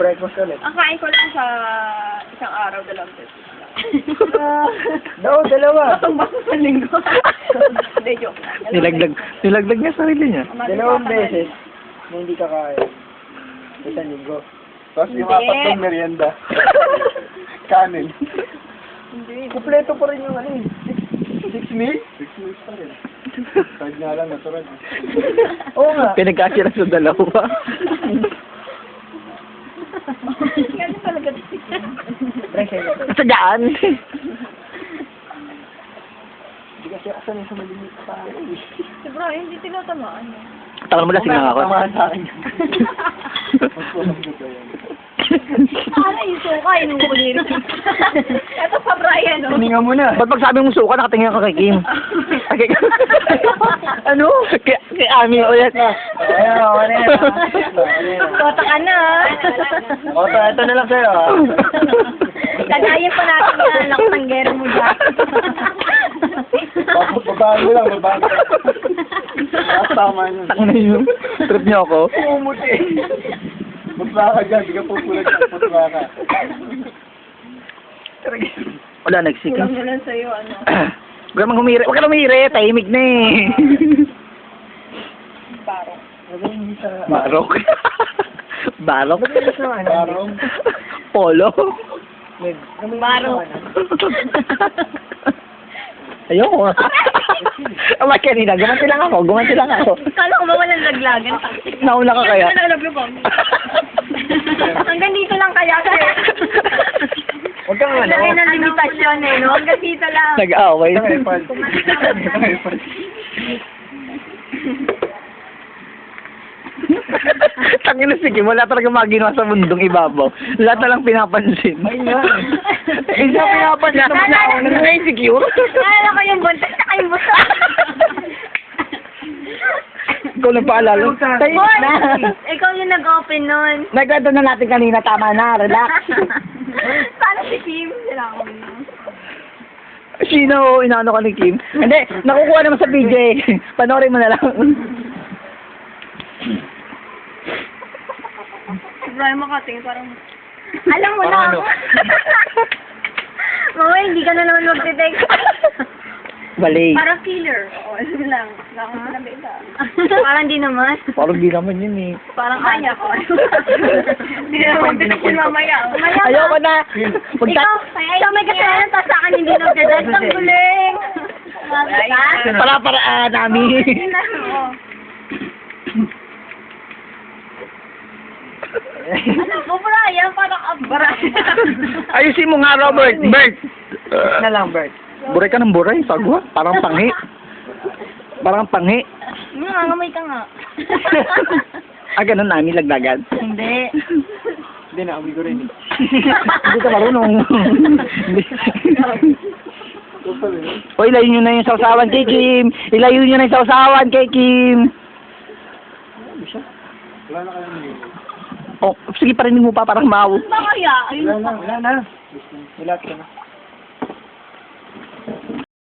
breakfast ulit. Ang kain ko lang sa isang araw, 2 beses. Dalawa. Batong baso sa linggo. Hindi, joke lang. Nilaglag niya sarili niya. 2 beses na hindi kakain. Isang linggo. Tapos yung Hindi. 4 merienda. Kanin. Hindi. Kumpleto pa rin yung ano eh. 6 meals? 6 meals pa rin. Kahit nga lang, natural. Oo nga. Pinagkasya lang sa dalawa. Kasi talaga. Sa daan. Hindi kasi ako sanay sa malimit pa. Si Brian, hindi tinatamaan. Tagal mo lasing lang ako. Tamahan sa akin. Magpulang dito yan. Sana yung suka, inuulir. Ito pa Brian, no? Hininga mo na. Ba't pag sabi mong suka, nakatingin ka kay Kim? Ano? Kay Ami ulit. Ayan, ano yan. Kota ka na. Oto, ito na lang sa'yo. Tagayin pa natin yung lakanggero mo dyan. Babaan mo lang, babaan mo. Tama yun. Tang na yun. Trip niyo ako. Pumuti. Pusla ka dyan, di ka pupulag ka. Pusla ka. Wala, nagsiking. Kulang na lang sa'yo, ano. Huwag ka mang humiri. Huwag ka lang humiri. Tahimik na eh. Parang. Hindi sa... Barok. Barok? Barong. Polo. Barok. Ayoko. Ama kanina, gumanti lang ako. Kala ko ba walang laglagan? Nauna ka kaya? Hanggang dito lang kaya sir. Huwag kang ano. Lagay ng limitasyon eh, no? Hanggang dito lang. Nag-away. Tangin na sige, wala talaga maginawa sa mundong ibabaw. Lahat na lang pinapansin. Ay nga. Isa pinapansin. Na-insecure. Naalala ko yung buntis sa kayong busa. Ikaw lang paalala. Tayo Boy, na. ikaw yung nag-open nun. Nagkwento na natin kanina, tama na, relax. Paano si Kim? Sila ako yun. Sino inaano ka ni Kim? Hindi, nakukuha naman sa PJ. Panoorin mo na lang. Brian makating parang... Alam mo na ako. Mama, hindi ka na naman mag-detect. Bali. Parang killer. Oo, alam mo lang. Lakang mo na beta. Parang di naman. Parang di naman yun eh. Parang kaya ko. Hindi naman mag-detect mamaya. Ayoko na. Ikaw, ikaw may kasalanan, tapos sa akin hindi nag-detect. Ang guling. Para-paraan namin. Ano mo, Brian? Parang Brian. Ayusin mo nga, Robert. Bert. Na lang, Bert. Buray ka ng buray. Sagwa. Parang panghi. Nangangamay ka nga. Ganun namin lagdagan. Hindi. Hindi na, amoy ko rin. Hindi ka marunong. O, ilayo nyo na yung sausawan kay Kim. Ilayo nyo na yung sausawan kay Kim. Wala na kayong meal. Oh, sige, parinig mo pa, parang mau. Ba kaya? Ayun. Wala na. Wala ka na.